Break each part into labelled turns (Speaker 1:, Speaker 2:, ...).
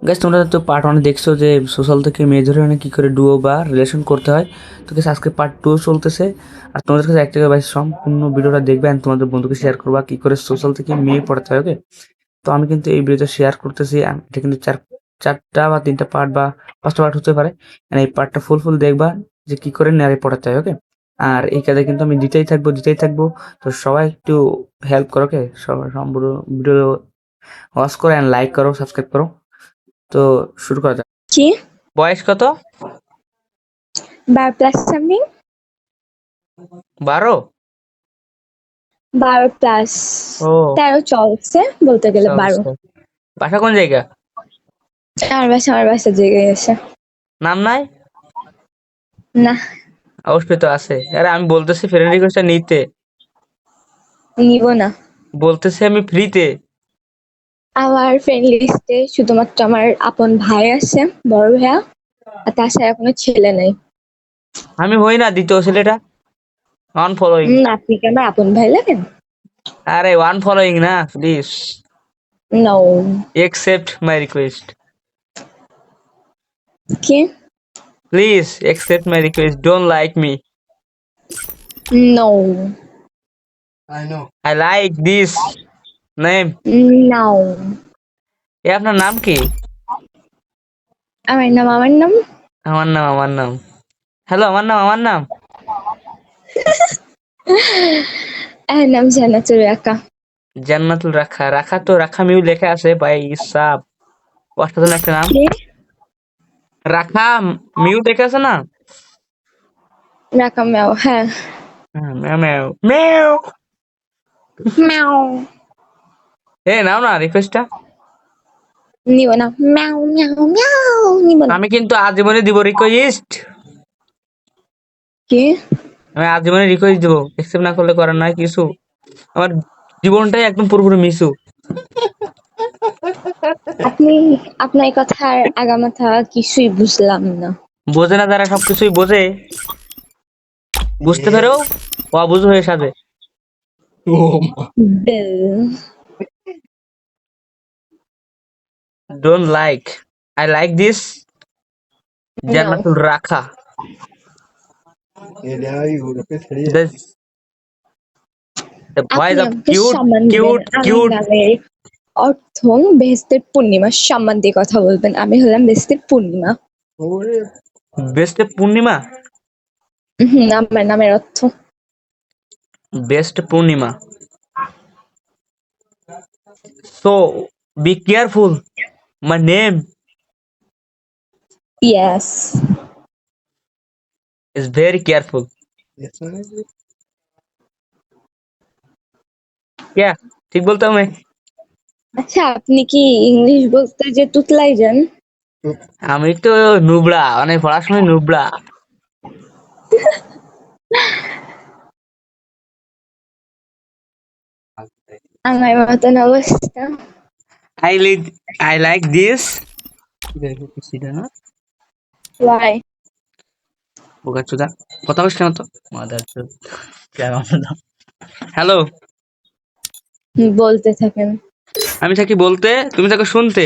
Speaker 1: Gas তোমরা তো part 1 দেখছো যে সোশ্যাল থেকে মেয়ে ধরে কি করে ডুও বা রিলেশন করতে হয়। তো গ্যাস আজকে পার্ট 2 চলতেছে। আর তোমাদের কাছে একটা ভাই সম্পূর্ণ ভিডিওটা দেখবে আর তোমাদের বন্ধুকে শেয়ার করবা কি করে সোশ্যাল থেকে মেয়ে পড়াতে হয়। ওকে, তো আমি কিন্তু এই ভিডিওতে শেয়ার করতেছি। এটা কিন্তু চারটা বা তিনটা পার্ট বা পাঁচটা পার্ট হতে পারে। এই পার্টটা ফুল দেখবা যে কি করে নারী পড়াতে হয়। ওকে, আর এই কাজে কিন্তু আমি দিতেই থাকবো। তো সবাই একটু হেল্প করো। ওকে, সবাই সম্পূর্ণ ভিডিও ওয়াচ করো এন্ড লাইক করো, সাবস্ক্রাইব করো। তো শুরু করা যাক।
Speaker 2: কি
Speaker 1: বয়স কত?
Speaker 2: 12 প্লাস সামথিং
Speaker 1: 12?
Speaker 2: 12 প্লাস
Speaker 1: ও
Speaker 2: 13 চলছে বলতে গেলে 12।
Speaker 1: চলছে। বাসা কোন জায়গা?
Speaker 2: আমার বাসা জেগে গেছে।
Speaker 1: নাম নাই?
Speaker 2: না,
Speaker 1: অবশ্যই তো আছে। আরে আমি বলতেছি ফ্রেন্ড রিকোয়েস্টটা নিতে,
Speaker 2: নিব না।
Speaker 1: বলতেছি আমি ফ্রিতে।
Speaker 2: আমার ফ্রেন্ড লিস্টে শুধুমাত্র আমার আপন ভাই আছে, বড় ভাইয়া, আর তাছাড়া কোনো ছেলে নেই।
Speaker 1: আমি হই না দ্বিতীয় ছেলেটা। One following.
Speaker 2: আপনি কি আমার আপন ভাই লাগেন?
Speaker 1: আরে ওয়ান ফলোইং না, please
Speaker 2: no.
Speaker 1: Accept my request.
Speaker 2: কি?
Speaker 1: Please accept my request, don't like me.
Speaker 2: No.
Speaker 1: I like this name.
Speaker 2: Now.
Speaker 1: এ আপনার নাম কি?
Speaker 2: আমার নাম
Speaker 1: আমার নাম হ্যালো, আমার নাম
Speaker 2: এর নাম জান্নাতুল রাকা।
Speaker 1: জান্নাতুল রাখা। রাখা তো রাখা মিউ লেখা আছে ভাই, সাব অসাধারণ একটা নাম।
Speaker 2: কি?
Speaker 1: রাখা মিউ লেখা আছে না?
Speaker 2: রাকা ম্যাও, হ্যাঁ।
Speaker 1: হ্যাঁ, ম্যাও ম্যাও ম্যাও।
Speaker 2: ম্যাও।
Speaker 1: এ নাও না রিকোয়েস্টটা।
Speaker 2: নিব না। ম্যাও ম্যাও ম্যাও, নিব না।
Speaker 1: আমি কিন্তু আজীবনে দিব রিকোয়েস্ট।
Speaker 2: কি?
Speaker 1: আমি আজীবনে রিকোয়েস্ট দিব, একসেপ্ট না করলে করার নাই কিছু। আমার জীবনটাই একদম পুরোপুরি মিসু।
Speaker 2: আপনি আপনার কথার আগামাথা কিছুই বুঝলাম না।
Speaker 1: বোঝে না যারা সবকিছুই বোঝে, বুঝতে পেরেও অবুঝ হয়ে সাজে।
Speaker 2: বেল।
Speaker 1: Don't like, I like this
Speaker 2: now.
Speaker 1: Jannatul Rakha. This the voice
Speaker 2: আপনি
Speaker 1: of
Speaker 2: আমাকে
Speaker 1: cute,
Speaker 2: সম্মান দিবেন।
Speaker 1: cute,
Speaker 2: আমার
Speaker 1: cute.
Speaker 2: নামের অর্থ বেহেশতের পূর্ণিমা। সম্মান দিয়ে কথা বলবেন। আমি হলাম বেহেশতের পূর্ণিমা।
Speaker 1: বেস্ট পূর্ণিমা।
Speaker 2: আমার নামের অর্থ।
Speaker 1: Best Purnima. So be careful. My name
Speaker 2: yes.
Speaker 1: is very careful. क्या ঠিক বলতাম আমি?
Speaker 2: আচ্ছা, আপনি কি ইংলিশ বলতে যে তুতলাই যান?
Speaker 1: আমি তো নুবড়া, অনেক পড়াশোনায় নুবড়া।
Speaker 2: আমার মতন অবস্থা।
Speaker 1: I like I like this. না
Speaker 2: ওয়াই?
Speaker 1: বোকা চোদা, কথা বলছ কেন তো? মাদার চোদ। হ্যালো,
Speaker 2: বলতে থাকেন।
Speaker 1: আমি থাকি বলতে, তুমি থাকো শুনতে।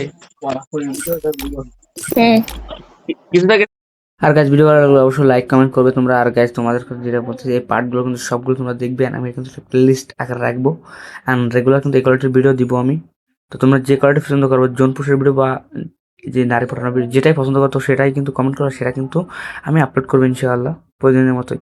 Speaker 2: হুম।
Speaker 1: কিছু থাকে। আর গাইস, ভিডিও ভালো লাগলে অবশ্যই লাইক কমেন্ট করবে তোমরা। আর গাইস, তোমাদের যেটা বলছি, এই পার্টগুলো কিন্তু সবগুলো তোমরা দেখবে and আমি কিন্তু প্লেলিস্ট আকারে রাখবো অ্যান্ড রেগুলার কিন্তু এই কোয়ালিটির ভিডিও দিব আমি। তো তোমরা যে কোয়ালিটি পছন্দ করবে, জোনপুরের ভিডিও বা যে নারী পড়ানোর ভিডিও যেটাই পছন্দ করতো সেটাই কিন্তু কমেন্ট করো, সেটা কিন্তু আমি আপলোড করবো ইনশাআল্লাহ প্রতিদিনের মতোই।